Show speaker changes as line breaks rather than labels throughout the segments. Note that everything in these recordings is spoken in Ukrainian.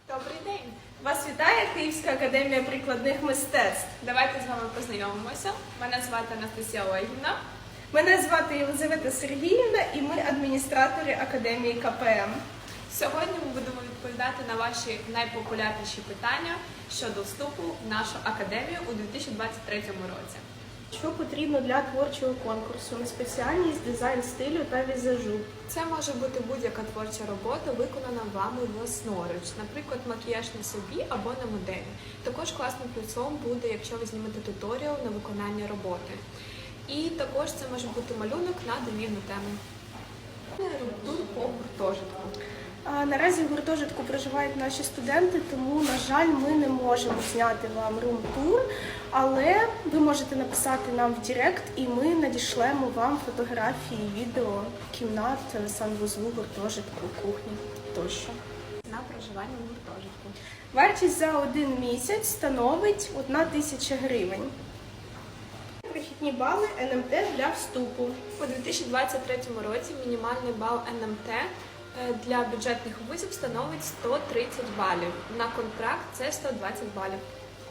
Добрий день!
Вас вітає Київська академія прикладних мистецтв.
Давайте з вами познайомимося. Мене звати Анастасія Олегівна.
Мене звати Єлизавета Сергіївна і ми адміністратори Академії КПМ.
Сьогодні ми будемо відповідати на ваші найпопулярніші питання щодо вступу в нашу академію у 2023 році.
Що потрібно для творчого конкурсу на спеціальність дизайн стилю та візажу?
Це може бути будь-яка творча робота, виконана вами власноруч, наприклад, макіяж на собі або на моделі. Також класним плюсом буде, якщо ви знімете туторіал на виконання роботи. І також це може бути малюнок на домівну тему. Тур по гуртожитку.
Наразі в гуртожитку проживають наші студенти, тому, на жаль, ми не можемо зняти вам рум-тур, але ви можете написати нам в Директ і ми надішлемо вам фотографії, відео, кімнат, санвузлу, гуртожитку, кухні тощо.
На проживання в гуртожитку.
Вартість за 1 місяць становить 1000 гривень. Прохідні бали НМТ для вступу.
У 2023 році мінімальний бал НМТ для бюджетних вузів становить 130 балів. На контракт це 120 балів.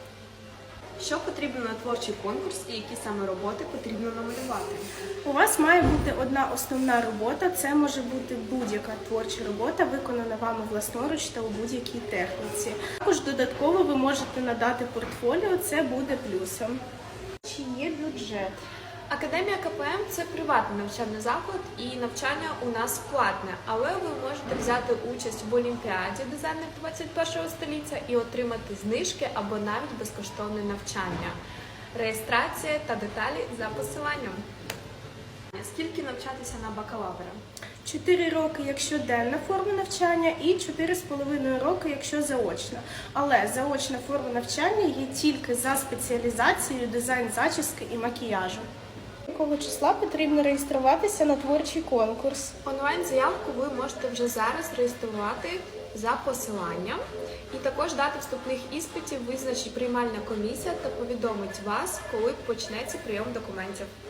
Що потрібно на творчий конкурс і які саме роботи потрібно намалювати?
У вас має бути одна основна робота. Це може бути будь-яка творча робота, виконана вами власноруч та у будь-якій техніці. Також додатково ви можете надати портфоліо, це буде плюсом. Чи є бюджет?
Академія КПМ – це приватний навчальний заклад і навчання у нас платне, але ви можете взяти участь в Олімпіаді дизайнер 21 століття і отримати знижки або навіть безкоштовне навчання. Реєстрація та деталі за посиланням. Скільки навчатися на бакалавра?
4 роки, якщо денна форма навчання, і 4,5 роки, якщо заочна. Але заочна форма навчання є тільки за спеціалізацією дизайн зачіски і макіяжу. Якого числа потрібно реєструватися на творчий конкурс?
Онлайн-заявку ви можете вже зараз реєструвати за посиланням. І також дати вступних іспитів визначить приймальна комісія та повідомить вас, коли почнеться прийом документів.